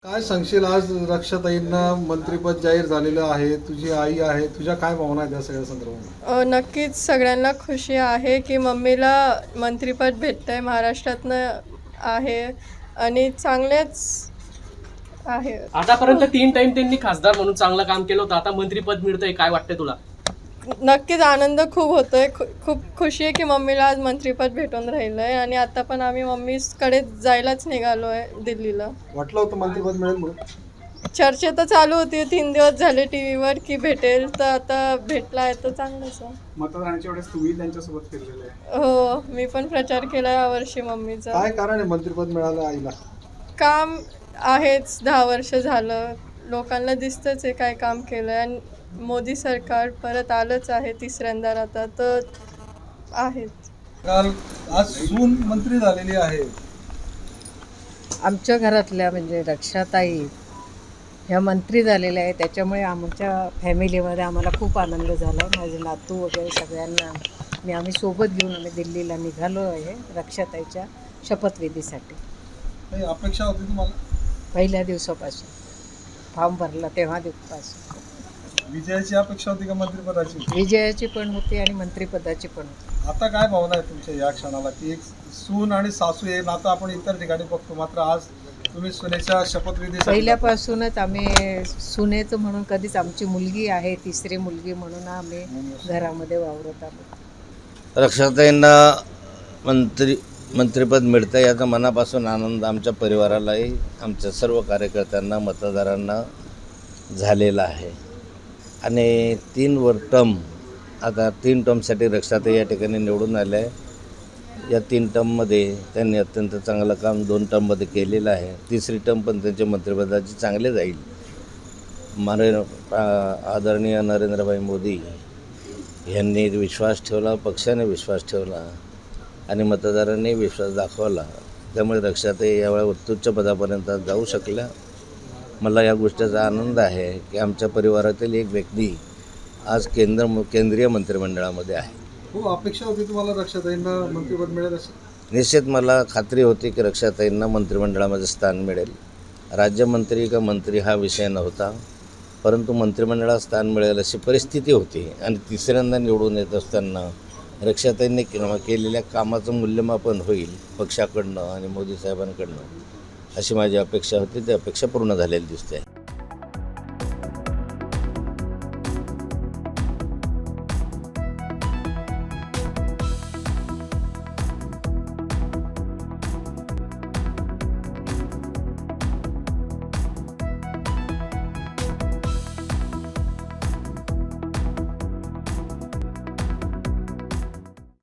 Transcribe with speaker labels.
Speaker 1: काय सांगशील, आज रक्षाताईंना मंत्रिपद जाहीर झालेलं आहे, तुझी आई आहे, तुझ्या काय भावना आहेत या सगळ्या संदर्भात?
Speaker 2: नक्कीच सगळ्यांना खुशी आहे की मम्मीला मंत्रिपद भेटतंय महाराष्ट्रातनं आहे आणि चांगलेच आहे.
Speaker 3: आतापर्यंत 3 टाइम त्यांनी खासदार म्हणून चांगलं काम केलं होतं, आता मंत्रिपद मिळतंय, काय वाटतंय तुला?
Speaker 2: नक्कीच आनंद खूप होतोय. खूप खुशी आहे की मम्मीला आज मंत्रिपद भेटून राहिलंय आणि आता पण आम्ही मम्मीकडे जायलाच निघालोय दिल्लीला.
Speaker 1: वाटलं होतं मंत्रिपद मिळेल म्हणून?
Speaker 2: चर्चा तर चालू होती 3 दिवस झाले टीव्हीवर की भेटेल, तर आता भेटला आहे तर चांगलंच आहे.
Speaker 4: मतदानाच्या वेळेस तुम्ही त्यांच्यासोबत फिरलेले आहे.
Speaker 2: हो, मी पण प्रचार केला यावर्षी मम्मीचा.
Speaker 1: काय कारण आहे मंत्रिपद मिळालं आईला?
Speaker 2: काम आहेच, 10 वर्ष झालं, लोकांना दिसतंच आहे काय काम केलं आणि मोदी सरकार परत आलंच आहे तिसऱ्यांदा आता तर आहेच.
Speaker 1: काल आज सून मंत्री झालेली आहे.
Speaker 5: आमच्या घरातल्या म्हणजे रक्षाताई ह्या मंत्री झालेल्या आहे, त्याच्यामुळे आमच्या फॅमिलीमध्ये आम्हाला खूप आनंद झाला आहे. माझे नातू वगैरे सगळ्यांना आम्ही सोबत घेऊन आम्ही दिल्लीला निघालो आहे रक्षाताईच्या शपथविधीसाठी.
Speaker 1: काही अपेक्षा होती तुम्हाला?
Speaker 5: पहिल्या दिवसापासून फॉर्म भरला तेव्हा दिवसापासून
Speaker 1: विजयाची अपेक्षा होती का मंत्रिपदाची?
Speaker 5: विजयाची पण होती आणि मंत्रिपदाची पण होती.
Speaker 1: आता काय भावना आहे तुमच्या या क्षणाला की एक सून आणि सासू हे नातं आपण इतर ठिकाणी बघतो, मात्र आज तुम्ही सुनेच्या शपथविधी
Speaker 5: पहिल्यापासूनच आम्ही सुनेचं म्हणून कधीच आमची मुलगी आहे, तिसरी मुलगी म्हणून आम्ही घरामध्ये वावरत आहोत.
Speaker 6: रक्षाताईंना मंत्रिपद मिळतं याचा मनापासून आनंद आमच्या परिवारालाही, आमच्या सर्व कार्यकर्त्यांना, मतदारांना झालेला आहे. आणि 3 टर्म आता 3 टर्मसाठी रक्षाताई या ठिकाणी निवडून आल्या आहे. या 3 टर्ममध्ये त्यांनी अत्यंत चांगलं काम 2 टर्ममध्ये केलेलं आहे. तिसरी टर्म पण त्यांच्या मंत्रिपदाची चांगले जाईल. आदरणीय नरेंद्रभाई मोदी यांनी विश्वास ठेवला, पक्षाने विश्वास ठेवला आणि मतदारांनी विश्वास दाखवला. त्यामुळे रक्षाताई यावेळी उत्तुच्च पदापर्यंत जाऊ शकल्या. मला या गोष्टीचा आनंद आहे की आमच्या परिवारातील एक व्यक्ती आज केंद्रीय मंत्रिमंडळामध्ये आहे.
Speaker 1: खूप अपेक्षा होती तुम्हाला रक्षाताईंना मंत्रिपद मिळेल अशी?
Speaker 6: निश्चित मला खात्री होती की रक्षाताईंना मंत्रिमंडळामध्ये स्थान मिळेल. राज्यमंत्री का मंत्री हा विषय नव्हता, परंतु मंत्रिमंडळात स्थान मिळेल अशी परिस्थिती होती. आणि तिसऱ्यांदा निवडून येत असताना रक्षाताईंनी केलेल्या कामाचं मूल्यमापन होईल पक्षाकडनं आणि मोदी साहेबांकडनं, अशी माझी अपेक्षा होती. ती अपेक्षा पूर्ण झालेली दिसते.